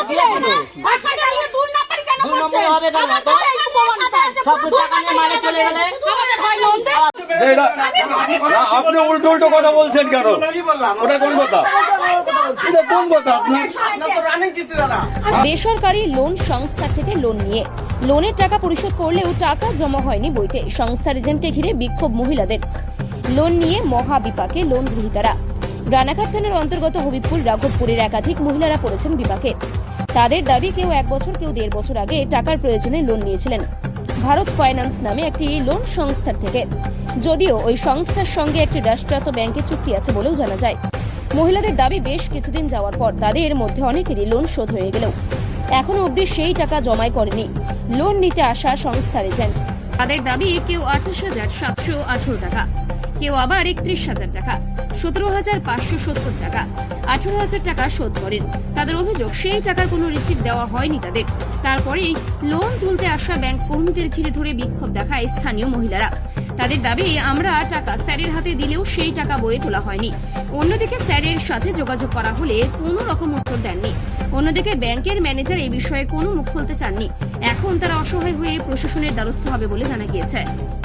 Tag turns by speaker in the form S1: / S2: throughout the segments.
S1: আপনি উল্টো উল্টো কথা বলছেন কেন? ওটা কোন কথা? কোন কথা? আপনার
S2: বেসরকারি লোন সংস্থার থেকে লোন নিয়ে লোনের টাকা পরিশোধ করলেও টাকা জমা হয়নি বইতে। সংস্থার এজেন্টকে ঘিরে বিক্ষোভ মহিলাদের। লোন নিয়ে মহাবিপাকে লোন গ্রহীতারা। রানাঘাট থানার অন্তর্গত হবিবপুর রাঘবপুরের একাধিক মহিলারা পড়েছেন বিপাকে। তাদের দাবি কেউ 1 বছর কেউ 1.5 বছর আগে টাকার প্রয়োজনে লোন নিয়েছিলেন ভারত ফাইন্যান্স নামে একটি লোন সংস্থার থেকে। যদিও ওই সংস্থার সঙ্গে একটি রাষ্ট্রায়ত্ত ব্যাংকের চুক্তি আছে বলেও জানা যায়। মহিলাদের দাবি বেশ কিছুদিন যাওয়ার পর তাদের মধ্যে অনেকেরই লোন শোধ হয়ে গেলেও এখনো অবধি সেই টাকা জমাই করেনি লোন নিতে আসা সংস্থার এজেন্ট। তাদের দাবি কেউ 28,718 টাকা, কেউ আবার 31,000 টাকা, 17,570 টাকা, 18,000 টাকা শোধ করেন। তাদের অভিযোগ সেই টাকার কোনো রিসিভ দেওয়া হয়নি তাদের। তারপরেই লোন তুলতে আসা ব্যাংক কর্মীদের ঘিরে ধরে বিক্ষোভ দেখায় স্থানীয় মহিলারা। তাদের দাবি আমরা টাকা স্যারের হাতে দিলেও সেই টাকা বয়ে তোলা হয়নি। অন্যদিকে স্যারের সাথে যোগাযোগ করা হলে কোনো রকম উত্তর দেননি। অন্যদিকে ব্যাংকের ম্যানেজার এই বিষয়ে কোনো মুখ খুলতে চাননি। এখন তারা অসহায় হয়ে প্রশাসনের দ্বারস্থ হবে বলে জানা গিয়েছে।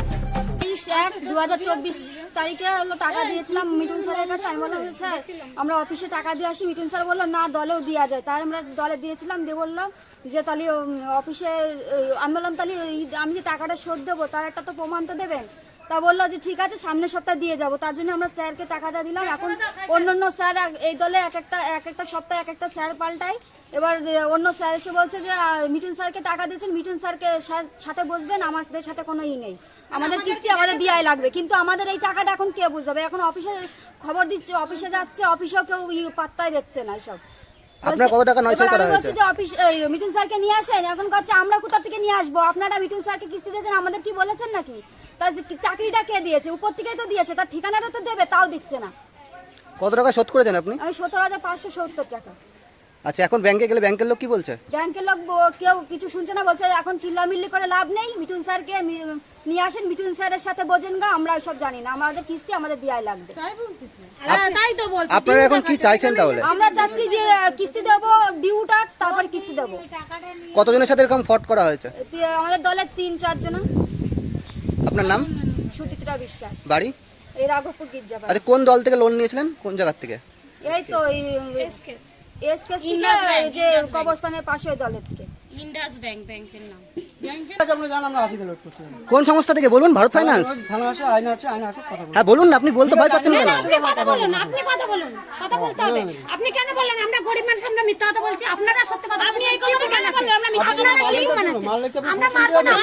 S3: 2024 তারিখে হলো টাকা দিয়েছিলাম মিঠুন স্যারের কাছে। আমি বললাম স্যার আমরা অফিসে টাকা দিয়ে আসি। মিঠুন স্যার বললো না দলেও দেওয়া যায়। তাই আমরা দলে দিয়েছিলাম। দিয়ে বললাম যে তাহলে অফিসে আমি বললাম তাহলে আমি যে টাকাটা শোধ দেবো তার একটা তো প্রমাণ তো দেবেন। তা বললো যে ঠিক আছে সামনের সপ্তাহে দিয়ে যাবো। তার জন্য আমরা স্যারকে টাকাটা দিলাম। এখন অন্য স্যার এই দলে এক একটা সপ্তাহে এক একটা স্যার পাল্টায়। এবার অন্য স্যার এসে বলছে যে মিঠুন স্যারকে টাকা দিয়েছেন, মিঠুন স্যারকে সাথে বসবেন, আমাদের সাথে কোনো নেই, আমাদের কিস্তি আমাদের দেওয়াই লাগবে। কিন্তু আমাদের এই টাকাটা এখন কে বুঝাবে? এখন অফিসে খবর দিচ্ছে, অফিসে যাচ্ছে, অফিসেও কেউ পাত্তাই দিচ্ছে না। সব
S4: আপনার কত টাকা নয়ছয় করা হয়েছে?
S3: যে অফিস মিঠুন স্যারকে নিয়ে আসেন। এখন কাছে আমরা কোথা থেকে নিয়ে আসবো? আপনারা মিঠুন স্যারকে কিস্তি দিয়েছেন, আমাদের কি বলেছেন নাকি? তার চাকরিটা কে দিয়েছে? উপর থেকেই তো দিয়েছে, তার ঠিকানাটা তো দেবে, তাও দিচ্ছে না।
S4: কত টাকা শোধ করেছেন আপনি?
S3: আমি 17,570 টাকা।
S4: আচ্ছা, এখন ব্যাংকে গেলে ব্যাংকের লোক কি বলছে?
S3: ব্যাংকের লোক কেউ কিছু শুনছে না, বলছে এখন চিল্লামিল্লি করে লাভ নেই, মিঠুন স্যারকে নিয়ে আসেন, মিঠুন স্যারের সাথে বোঝেন গা, আমরা সব জানি না, আমাদের কিস্তি আমাদের দেওয়াই লাগবে।
S4: আপনারা এখন কি চাইছেন তাহলে?
S3: আমরা চাচ্ছি যে কিস্তি দেবো, ডিউটা তারপর কিস্তি দেবো।
S4: কতজনের সাথে এরকম ফট করা হয়েছে?
S3: আমাদের দলের 3-4 জন।
S4: আপনার নাম?
S3: সুচিত্রা বিশ্বাস।
S4: বাড়ি?
S3: এই রাঘবপুর গির্জাপাড়া।
S4: আচ্ছা, কোন দল থেকে লোন নিয়েছিলেন? কোন জায়গা থেকে?
S3: এই তো এসকেস যে কবরস্থানের পাশে দলের থেকে।
S2: ইন্ডাস ব্যাংকের নাম।
S4: কোন সংস্থা থেকে বলুন? ভারত ফাইন্যান্স? হ্যাঁ বলুন না, আপনি বলতে ভয় পাচ্ছেন কেন?
S2: আপনি কথা বলুন, কথা বলতে হবে। আপনি কেন বললেন আমরা গরিব মানুষ, আমরা মিথ্যা কথা বলছি? আপনারা সত্যি কথা। আপনি এই কথা কেন বললেন আমরা মিথ্যা কথা বলছি? আমরা মারবো না,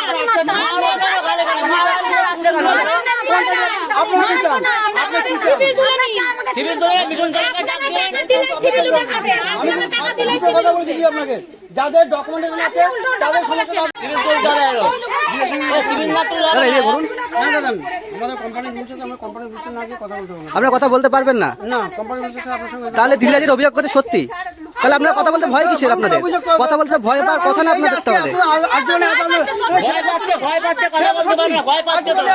S2: সিভিল তুলে নিন, সিভিল তুলে মিঠুন স্যারের কাছে সিভিল তুলে যাবে। আপনারা টাকা দিলে সিভিল
S5: বলছি আপনাকে, যাদের ডকুমেন্টেশন আছে তাদের সমস্ত সিভিল তুলে যাবে। সিভিল না তুলে
S4: দাদা এই বলুন।
S5: না দাদা, আমাদের কোম্পানি রুলস আছে, আমরা কোম্পানি রুলস না গিয়ে কথা বলতে পারবো না।
S4: আপনারা কথা বলতে পারবেন না?
S5: না, কোম্পানি রুলস আছে আপনার সঙ্গে।
S4: তাহলে ধীরাজের অভিযোগ করতে সত্যি? তাহলে আপনারা কথা বলতে ভয় কিসের আপনাদের? কথা বলতে ভয় পাওয়ার কথা না আপনাদের তাহলে।
S5: ভয় পাচ্ছে, কথা বলতে পারে না, ভয় পাচ্ছে তো।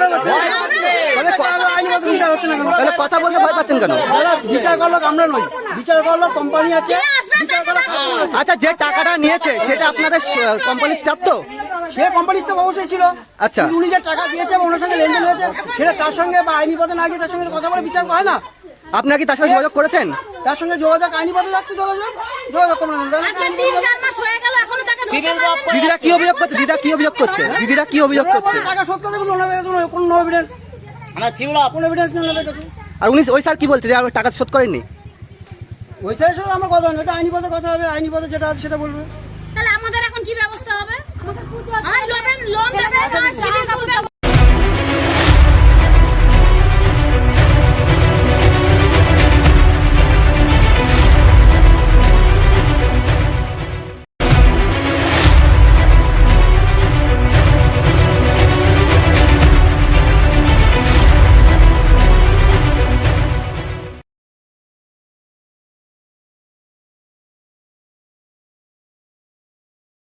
S4: তাহলে কথা বলতে ভয় পাচ্ছেন কেন?
S5: দাদা বিচার করলো আমরা নই, বিচার করলো কোম্পানি আছে, বিচার করলো।
S4: আচ্ছা, যে টাকাটা নিয়েছে সেটা আপনাদের কোম্পানির স্টাফ তো?
S5: সে কোম্পানি স্টাফ অবশ্যই ছিল।
S4: আচ্ছা,
S5: উনি যে টাকা দিয়েছে বা ওনার সঙ্গে লেনদেন হয়েছে সেটা তার সঙ্গে বা আইনি পথে না গিয়ে তার সঙ্গে কথা বলে বিচার হয় না।
S4: আপনারা কি তার সঙ্গে যোগাযোগ করেছেন?
S5: তার সঙ্গে যোগাযোগ আইনি পথে যাচ্ছে, যোগাযোগ করবেন না।
S2: আজকে 3-4 মাস হয়ে গেল, এখনো টাকা ধরতে পারেনি।
S4: দিদিরা কি অভিযোগ করছে? দিদিরা কি অভিযোগ করছে? দিদিরা কি অভিযোগ করছে?
S5: টাকা শোধ করতে গেলে ওনাদের কাছে কোনো এভিডেন্স, আমরা ছিল কোনো এভিডেন্স নেই ওনাদের কাছে।
S4: আর উনি ওই স্যার কি বলছে যে টাকা শোধ করেননি?
S5: ওই স্যারের সাথে আমার কথা হয়, এটা আইনি পথে কথা হবে, আইনি পথে যেটা আছে সেটা বলবে।
S2: তাহলে আমাদের এখন কি ব্যবস্থা হবে? আমাদের লোন দেবে,